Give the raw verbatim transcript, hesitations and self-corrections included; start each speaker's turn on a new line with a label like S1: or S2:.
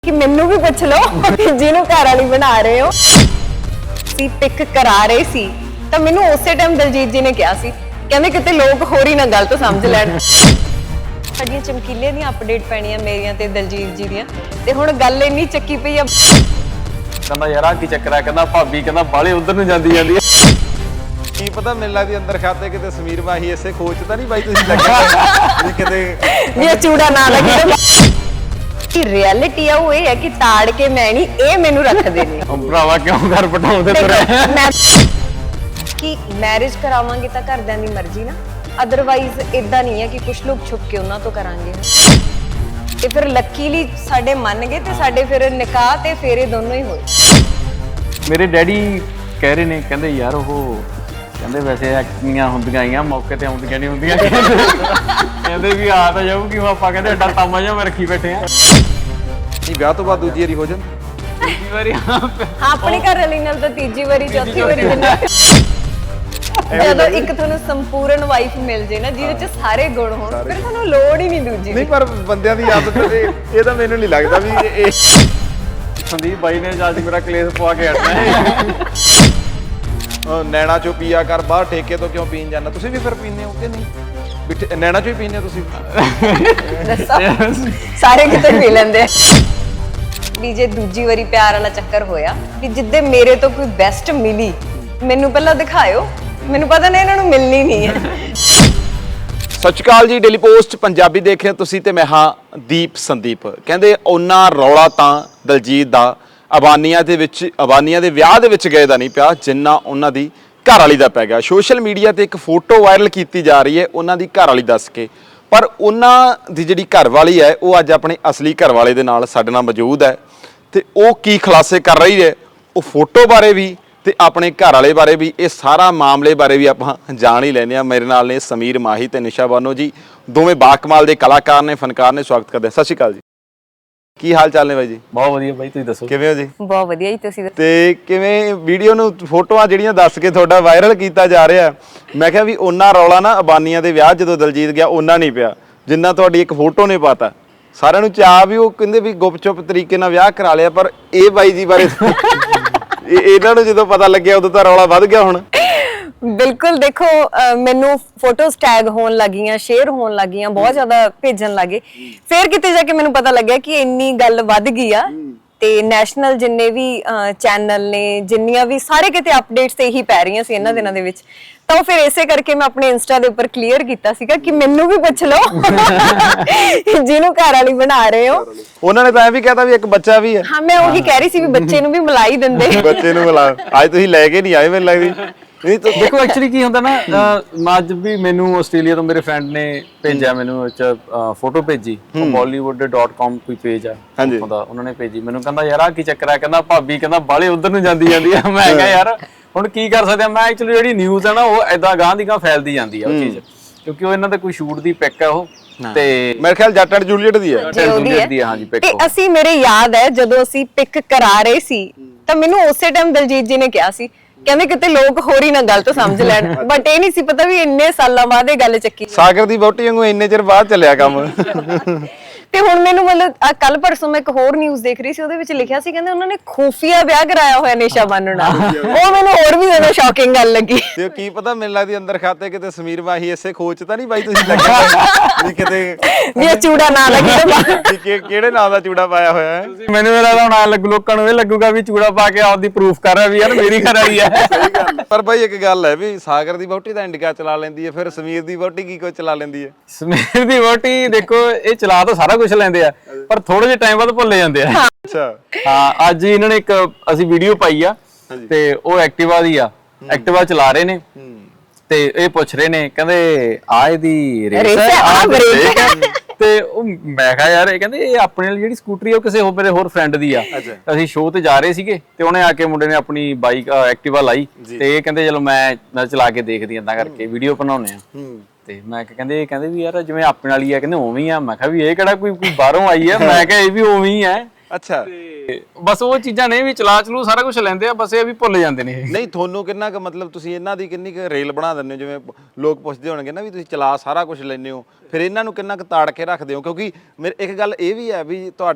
S1: कि मैनू भी पुछ लो जिन्हों घर वाली बना रहे हो सी पिक करा रहे सी तो मैनू उस टाइम दलजीत जी ने कहा सी कहंदे किते लोग होर ही ना गलत समझ लैण साडियां चमकीले दी अपडेट पैणियां मेरियां ते दलजीत जी दियां ते हुण गल इन्नी चक्की पई आ
S2: कहंदा यार आ की चक्कर है कहंदा भाभी कहंदा बाले उधर ਨੂੰ ਜਾਂਦੀ ਜਾਂਦੀ ਹੈ ਕੀ ਪਤਾ ਮੈਨੂੰ ਲੱਗਦੀ ਅੰਦਰ ਖਾਤੇ ਕਿਤੇ ਸਮੀਰ ਮਾਹੀ ਐਸੇ ਖੋਚ ਤਾਂ ਨਹੀਂ ਬਾਈ ਤੁਸੀਂ ਲੱਗਾ ਵੀ ਕਿਤੇ
S1: ये चूड़ा ना लगे कि रियलिटी है वो ये है कि ताड़ के मैं नहीं ए मेनू रखदे ने
S2: ਭਰਾਵਾ ਕਿਉਂ ਘਰ ਪਟਾਉਂਦੇ ਤੁਰੇ
S1: मैं कि मैरिज करावांगे ਤਾਂ ਘਰਦਿਆਂ ਦੀ ਮਰਜ਼ੀ ਨਾ ਅਦਰਵਾਈਜ਼ ਇਦਾਂ ਨਹੀਂ ਹੈ ਕਿ ਕੁਝ ਲੋਕ ਛੁਪ ਕੇ ਉਹਨਾਂ ਤੋਂ ਕਰਾਂਗੇ ਤੇ ਫਿਰ ਲੱਕੀਲੀ ਸਾਡੇ ਮੰਨ ਗਏ ਤੇ ਸਾਡੇ ਫਿਰ ਨਿਕਾਹ ਤੇ ਫੇਰੇ ਦੋਨੋਂ ਹੀ ਹੋਏ
S2: ਮੇਰੇ ਡੈਡੀ ਕਹਿ ਰਹੇ ਨੇ ਕਹਿੰਦੇ ਯਾਰ ਉਹ ਕਹਿੰਦੇ ਵੈਸੇ ਐਕਟੀਆਂ ਹੁੰਦੀਆਂ ਆਈਆਂ ਮੌਕੇ ਤੇ ਆਉਂਦੀਆਂ ਨਹੀਂ ਹੁੰਦੀਆਂ ਕਹਿੰਦੇ ਵੀ ਆ ਤਾਂ ਜਾਊਗੀ ਆਪਾਂ ਕਹਿੰਦੇ ਐਡਾ ਤਾਮਾ ਜਿਹਾ ਮੈਂ ਰੱਖੀ ਬੈਠੇ ਆ ਨਹੀਂ ਵਿਆਹ ਤੋਂ ਬਾਅਦ ਦੂਜੀ ਵਾਰੀ ਹੋ ਜਾਂ ਦੂਜੀ ਵਾਰੀ ਹਾਂ
S1: ਆਪਣੇ ਘਰ ਵਾਲੀ ਨਾਲ ਤਾਂ ਤੀਜੀ ਵਾਰੀ ਚੌਥੀ ਵਾਰੀ ਦਿੰਦਾ ਜਦੋਂ ਇੱਕ ਤੁਹਾਨੂੰ ਸੰਪੂਰਨ ਵਾਈਫ ਮਿਲ ਜੇ ਨਾ ਜਿਹਦੇ ਚ ਸਾਰੇ ਗੁਣ ਹੋਣ ਫਿਰ ਤੁਹਾਨੂੰ ਲੋੜ ਹੀ ਨਹੀਂ ਦੂਜੀ
S2: ਨਹੀਂ ਪਰ ਬੰਦਿਆਂ ਦੀ ਆਦਤ ਇਹ ਇਹ ਤਾਂ ਮੈਨੂੰ ਨਹੀਂ ਲੱਗਦਾ ਵੀ ਇਹ ਸੰਦੀਪ ਬਾਈ ਨੇ ਅੱਜ ਮੇਰਾ ਕਲੇਸ਼ ਪਵਾ ਕੇ ਹਟਣਾ ਹੈ ਨੈਣਾ ਚੋਂ ਪੀਆ ਕਰ ਬਾਹਰ ਠੇਕੇ ਤੋਂ ਕਿਉਂ ਪੀਣ ਜਾਂਦਾ ਤੁਸੀਂ ਵੀ ਫਿਰ ਪੀਂਦੇ ਹੋ ਕਿ ਨਹੀਂ ਨੈਣਾ ਚੋਂ ਹੀ ਪੀਂਦੇ ਹੋ ਤੁਸੀਂ
S1: ਸਾਰੇ ਕਿਤੇ ਪੀ ਲੈਂਦੇ ਵੀ ਜੇ ਦੂਜੀ ਵਾਰੀ ਪਿਆਰ ਵਾਲਾ ਚੱਕਰ ਹੋਇਆ ਵੀ ਜਿੱਦੇ ਮੇਰੇ ਤੋਂ ਕੋਈ ਬੈਸਟ ਮਿਲੀ ਮੈਨੂੰ ਪਹਿਲਾਂ ਦਿਖਾਇਓ ਮੈਨੂੰ ਪਤਾ ਨਹੀਂ ਇਹਨਾਂ ਨੂੰ ਮਿਲਣੀ ਨਹੀਂ ਹੈ
S3: ਸਤਿ ਸ਼੍ਰੀ ਅਕਾਲ ਜੀ ਡੇਲੀ ਪੋਸਟ ਪੰਜਾਬੀ ਦੇਖ ਰਹੇ ਹੋ ਤੁਸੀਂ ਤੇ ਮੈਂ ਹਾਂ ਦੀਪ ਸੰਦੀਪ ਕਹਿੰਦੇ ਉਹਨਾਂ ਰੌਲਾ ਤਾਂ ਦਲਜੀਤ ਦਾ ਅਬਾਨੀਆਂ ਦੇ ਵਿੱਚ ਅਬਾਨੀਆਂ ਦੇ ਵਿਆਹ ਦੇ ਵਿੱਚ ਗਏ ਦਾ ਨਹੀਂ ਪਿਆ ਜਿੰਨਾ ਉਹਨਾਂ ਦੀ ਘਰ ਵਾਲੀ ਦਾ ਪੈ ਗਿਆ ਸੋਸ਼ਲ ਮੀਡੀਆ ਤੇ ਇੱਕ ਫੋਟੋ ਵਾਇਰਲ ਕੀਤੀ ਜਾ ਰਹੀ ਹੈ ਉਹਨਾਂ ਦੀ ਘਰ ਵਾਲੀ ਦੱਸ ਕੇ ਪਰ ਉਹਨਾਂ ਦੀ ਜਿਹੜੀ ਘਰ ਵਾਲੀ ਹੈ ਉਹ ਅੱਜ ਆਪਣੇ ਅਸਲੀ ਘਰ ਵਾਲੇ ਦੇ ਨਾਲ ਸਾਡੇ ਨਾਲ ਮੌਜੂਦ ਹੈ ਤੇ ਉਹ ਕੀ ਖੁਲਾਸੇ ਕਰ ਰਹੀ ਹੈ ਉਹ ਫੋਟੋ ਬਾਰੇ ਵੀ ਤੇ ਆਪਣੇ ਘਰ ਵਾਲੇ ਬਾਰੇ ਵੀ ਇਹ ਸਾਰਾ ਮਾਮਲੇ ਬਾਰੇ ਵੀ ਆਪਾਂ ਜਾਣ ਹੀ ਲੈਂਦੇ ਆ ਮੇਰੇ ਨਾਲ ਨੇ ਸਮੀਰ ਮਾਹੀ ਤੇ ਨਿਸ਼ਾ ਬਾਨੋ ਜੀ ਦੋਵੇਂ ਬਾਕਮਾਲ ਦੇ ਕਲਾਕਾਰ ਨੇ ਫਨਕਾਰ ਨੇ ਸਵਾਗਤ ਕਰਦੇ ਆ ਸਤਿ ਸ਼੍ਰੀ ਅਕਾਲ ਜੀ ਕੀ ਹਾਲ ਚਾਲ ਨੇ ਬਾਈ ਜੀ
S2: ਬਹੁਤ ਵਧੀਆ ਬਾਈ ਤੁਸੀਂ ਦੱਸੋ
S3: ਕਿਵੇਂ ਹੋ ਜੀ
S1: ਬਹੁਤ ਵਧੀਆ ਜੀ ਤੁਸੀਂ
S3: ਤੇ ਕਿਵੇਂ ਵੀਡੀਓ ਨੂੰ ਫੋਟੋਆਂ ਜਿਹੜੀਆਂ ਦੱਸ ਕੇ ਤੁਹਾਡਾ ਵਾਇਰਲ ਕੀਤਾ ਜਾ ਰਿਹਾ ਮੈਂ ਕਿਹਾ ਵੀ ਉਹਨਾਂ ਰੌਲਾ ਨਾ ਅਬਾਨੀਆਂ ਦੇ ਵਿਆਹ ਜਦੋਂ ਦਲਜੀਤ ਗਿਆ ਉਹਨਾਂ ਨਹੀਂ ਪਿਆ ਜਿੰਨਾ ਤੁਹਾਡੀ ਇੱਕ ਫੋਟੋ ਨੇ ਪਾਤਾ ਸਾਰਿਆਂ ਨੂੰ ਚਾਹ ਵੀ ਉਹ ਕਹਿੰਦੇ ਵੀ ਗੁਪਚੁਪ ਤਰੀਕੇ ਨਾਲ ਵਿਆਹ ਕਰਾ ਲਿਆ ਪਰ ਇਹ ਬਾਈ ਜੀ ਬਾਰੇ ਇਹਨਾਂ ਨੂੰ ਜਦੋਂ ਪਤਾ ਲੱਗਿਆ ਉਦੋਂ ਤਾਂ ਰੌਲਾ ਵੱਧ ਗਿਆ ਹੁਣ
S1: ਬਿਲਕੁਲ ਦੇਖੋ ਮੈਨੂੰ ਫੋਟੋਸ ਟੈਗ ਹੋਣ ਲੱਗੀਆਂ ਸ਼ੇਅਰ ਹੋਣ ਲੱਗੀਆਂ ਬਹੁਤ ਜ਼ਿਆਦਾ ਭੇਜਣ ਲੱਗੇ ਫਿਰ ਕਿਤੇ ਜਾ ਕੇ ਮੈਨੂੰ ਪਤਾ ਲੱਗਿਆ ਕਿ ਇੰਨੀ ਗੱਲ ਵੱਧ ਗਈ ਆ ਤੇ ਨੈਸ਼ਨਲ ਜਿੰਨੇ ਵੀ ਚੈਨਲ ਨੇ ਜਿੰਨੀਆਂ ਵੀ ਸਾਰੇ ਕਿਤੇ ਅਪਡੇਟਸ ਤੇ ਇਹੀ ਪੈ ਰਹੀਆਂ ਸੀ ਇਹਨਾਂ ਦਿਨਾਂ ਦੇ ਵਿੱਚ ਤਾਂ ਫਿਰ ਇਸੇ ਕਰਕੇ ਮੈਂ ਆਪਣੇ ਇੰਸਟਾ ਦੇ ਉੱਪਰ ਕਲੀਅਰ ਕੀਤਾ ਸੀਗਾ ਕਿ ਮੈਨੂੰ ਵੀ ਪੁੱਛ ਲਓ ਜਿਹਨੂੰ ਘਰ ਵਾਲੀ ਬਣਾ ਰਹੇ ਹੋ
S3: ਉਹਨਾਂ ਨੇ ਤਾਂ ਐ ਵੀ ਕਹਤਾ ਵੀ ਇੱਕ ਬੱਚਾ ਵੀ ਹੈ
S1: ਹਾਂ ਮੈਂ ਉਹੀ ਕਹਿ ਰਹੀ ਸੀ ਵੀ ਬੱਚੇ ਨੂੰ ਵੀ ਮਿਲਾਈ ਦਿੰਦੇ
S3: ਬੱਚੇ ਨੂੰ ਮਿਲਾ ਅੱਜ ਤੁਸੀਂ ਲੈ ਕੇ ਨਹੀਂ ਆਏ ਮੈਨੂੰ ਲੱਗਦੀ
S2: ਨਹੀਂ ਤਾਂ ਦੇਖੋ ਐਕਚੁਅਲੀ ਕੀ ਹੁੰਦਾ ਨਾ ਅੱਜ ਵੀ ਮੈਨੂੰ ਆਸਟ੍ਰੇਲੀਆ ਤੋਂ ਮੇਰੇ ਫਰੈਂਡ ਨੇ ਭੇਜਿਆ ਮੈਨੂੰ ਇੱਕ ਫੋਟੋ ਭੇਜੀ bollywood dot com ਕੋਈ ਪੇਜ ਆ ਉਹਦਾ ਉਹਨਾਂ ਨੇ ਭੇਜੀ ਮੈਨੂੰ ਕਹਿੰਦਾ ਯਾਰ ਆ ਕੀ ਚੱਕਰ ਆ ਕਹਿੰਦਾ ਭਾਬੀ ਕਹਿੰਦਾ ਬਾਲੇ ਉਧਰ ਨੂੰ ਜਾਂਦੀ ਜਾਂਦੀ ਆ ਮੈਂ ਕਿਹਾ ਯਾਰ ਹੁਣ ਕੀ ਕਰ ਸਕਦੇ ਆ ਮੈਂ ਐਕਚੁਅਲੀ ਜਿਹੜੀ ਨਿਊਜ਼ ਆ ਨਾ ਉਹ ਐਦਾਂ ਗਾਂ ਦੀ ਗਾਂ ਫੈਲਦੀ ਜਾਂਦੀ ਆ ਉਹ ਚੀਜ਼ ਕਿਉਂਕਿ ਉਹ ਇਹਨਾਂ ਦਾ ਕੋਈ ਸ਼ੂਟ ਦੀ ਪਿਕ ਆ ਉਹ ਤੇ
S3: ਮੇਰੇ ਖਿਆਲ ਜੱਟ ਐਂਡ ਜੂਲੀਅਟ ਦੀ ਹੈ
S2: ਜੂਲੀਅਟ ਦੀ ਹਾਂਜੀ ਪਿਕ
S1: ਤੇ ਅਸੀਂ ਮੇਰੇ ਯਾਦ ਹੈ ਜਦੋਂ ਅਸੀਂ ਪਿਕ ਕਰਾ ਰਹੇ ਸੀ ਤਾਂ ਮੈਨੂੰ ਉਸੇ ਟਾਈਮ ਦਲਜੀਤ ਜੀ ਨੇ ਕਿਹਾ ਸੀ ਕਹਿੰਦੇ ਕਿਤੇ ਲੋਕ ਹੋਰ ਹੀ ਨਾ ਗਲਤ ਸਮਝ ਲੈਣ ਬਟ ਇਹ ਨਹੀਂ ਸੀ ਪਤਾ ਵੀ ਇੰਨੇ ਸਾਲਾਂ ਬਾਅਦ ਇਹ ਗੱਲ ਚੱਕੀ
S3: ਸਾਗਰ ਦੀ ਵਹੁਟੀ ਵਾਂਗੂ ਇੰਨੇ ਚਿਰ ਬਾਅਦ ਚੱਲਿਆ ਕੰਮ
S1: ਤੇ ਹੁਣ ਮੈਨੂੰ ਮਤਲਬ ਕੱਲ ਪਰਸੋਂ ਮੈਂ ਇੱਕ ਹੋਰ ਨਿਊਜ਼ ਦੇਖ ਰਹੀ ਸੀ ਉਹਦੇ ਵਿੱਚ ਲਿਖਿਆ ਸੀ ਕਹਿੰਦੇ ਉਹਨਾਂ ਨੇ ਖੂਫੀਆ ਵਿਆਹ ਕਰਾਇਆ ਹੋਇਆ ਨਿਸ਼ਾ ਬਾਨੋ ਨਾਲ ਉਹ ਮੈਨੂੰ ਹੋਰ ਵੀ ਜ਼ਿਆਦਾ ਸ਼ੌਕਿੰਗ ਗੱਲ ਲੱਗੀ
S3: ਤੇ ਕੀ ਪਤਾ ਮੈਨੂੰ ਲੱਗਦੀ ਅੰਦਰ ਖਾਤੇ ਕਿਤੇ ਸਮੀਰ ਮਾਹੀ ਐਸੇ ਖੋਚ ਤਾਂ ਨਹੀਂ ਬਾਈ ਤੁਸੀਂ ਲੱਗਾ ਵੀ ਕਿਤੇ
S1: ਵੀ ਇਹ ਚੂੜਾ ਨਾ ਲੱਗੇ
S3: ਕਿਹੜੇ ਨਾਂ ਦਾ ਚੂੜਾ ਪਾਇਆ ਹੋਇਆ ਹੈ
S2: ਮੈਨੂੰ ਮੇਰਾ ਤਾਂ ਹੁਣ ਲੱਗੂ ਲੋਕਾਂ ਨੂੰ ਇਹ ਲੱਗੂਗਾ ਵੀ ਚੂੜਾ ਪਾ ਕੇ ਆਪਦੀ ਪ੍ਰੂਫ ਕਰ ਰਿਹਾ ਵੀ ਯਾਰ ਮੇਰੀ ਘਰ ਵਾਲੀ ਹੈ
S3: ਸਹੀ ਗੱਲ ਪਰ ਬਾਈ ਇੱਕ ਗੱਲ ਹੈ ਵੀ ਸਾਗਰ ਦੀ ਵਹੁਟੀ ਤਾਂ ਇੰਡੀਕਾ ਚਲਾ ਲੈਂਦੀ ਹੈ ਫਿਰ ਸਮੀਰ ਦੀ ਵਹੁਟੀ ਕੀ ਕੁਝ ਚਲਾ ਲੈਂਦੀ ਹੈ
S2: ਸਮੀਰ ਦੀ ਵਹੁਟੀ ਦੇਖੋ ਇਹ ਚਲਾ ਤਾਂ ਸਾਰਾ ਕੁਝ ਲੈਂਦੇ ਆ ਪਰ ਥੋੜੇ ਜਿਹੇ ਟਾਈਮ ਬਾਅਦ ਭੁੱਲੇ ਜਾਂਦੇ ਆ
S3: ਅੱਛਾ
S2: ਹਾਂ ਅੱਜ ਇਹਨਾਂ ਨੇ ਇੱਕ ਅਸੀਂ ਵੀਡੀਓ ਪਾਈ ਆ ਤੇ ਉਹ ਐਕਟਿਵਾ ਦੀ ਆ ਐਕਟਿਵਾ ਚਲਾ ਰਹੇ ਨੇ ਤੇ ਇਹ ਪੁੱਛ ਰਹੇ ਨੇ ਕਹਿੰਦੇ ਆ ਇਹਦੀ ਰੇਸ ਹੈ ਤੇ ਉਹ ਮੈਂ ਕਿਹਾ ਯਾਰ ਇਹ ਕਹਿੰਦੇ ਇਹ ਆਪਣੇ ਵਾਲੀ ਜਿਹੜੀ ਸਕੂਟਰੀ ਆ ਉਹ ਕਿਸੇ ਹੋਰ ਮੇਰੇ ਹੋਰ ਫਰੈਂਡ ਦੀ ਆ ਅਸੀਂ ਸ਼ੋਅ ਤੇ ਜਾ ਰਹੇ ਸੀਗੇ ਤੇ ਉਹਨੇ ਆ ਕੇ ਮੁੰਡੇ ਨੇ ਆਪਣੀ ਬਾਈਕ ਐਕਟਿਵਾ ਲਾਈ ਤੇ ਇਹ ਕਹਿੰਦੇ ਚਲੋ ਮੈਂ ਮੈਂ ਚਲਾ ਕੇ ਦੇਖਦੀ ਆਂ ਤਾਂ ਕਰਕੇ ਵੀਡੀਓ ਬਣਾਉਣੇ ਆ ਤੇ ਮੈਂ ਕਹਿੰਦੇ ਕਹਿੰਦੇ ਵੀ ਯਾਰ ਜਿਵੇਂ ਆਪਣੇ ਵਾਲੀ ਆ ਕਹਿੰਦੇ ਉਵੇਂ ਹੀ ਆ ਮੈਂ ਕਿਹਾ ਵੀ ਇਹ ਕਿਹੜਾ ਕੋਈ ਕੋਈ ਬਾਹਰੋਂ ਆਈ ਆ ਮੈਂ ਕਿਹਾ ਇਹ ਵੀ ਉਵੇਂ ਹੀ ਆ
S3: ਅੱਛਾ
S2: ਬਸ ਉਹ ਚੀਜ਼ਾਂ ਨੇ ਵੀ ਚਲਾ ਚਲੂ ਸਾਰਾ ਕੁਝ ਲੈਂਦੇ ਆ ਬਸ ਇਹ ਵੀ ਭੁੱਲ ਜਾਂਦੇ ਨੇ
S3: ਨਹੀਂ ਤੁਹਾਨੂੰ ਕਿੰਨਾ ਕੁ ਮਤਲਬ ਤੁਸੀਂ ਇਹਨਾਂ ਦੀ ਕਿੰਨੀ ਕੁ ਰੇਲ ਬਣਾ ਦਿੰਦੇ ਹੋ ਜਿਵੇਂ ਲੋਕ ਪੁੱਛਦੇ ਹੋਣਗੇ ਨਾ ਵੀ ਤੁਸੀਂ ਚਲਾ ਸਾਰਾ ਕੁਝ ਲੈਂਦੇ ਹੋ ਫਿਰ ਇਹਨਾਂ ਨੂੰ ਕਿੰਨਾ ਕੁ ਤਾੜ ਕੇ ਰੱਖਦੇ ਹੋ ਕਿਉਂਕਿ ਮੇਰੇ ਇੱਕ ਗੱਲ ਇਹ ਵੀ ਹੈ ਵੀ ਤੁਹਾਡੇ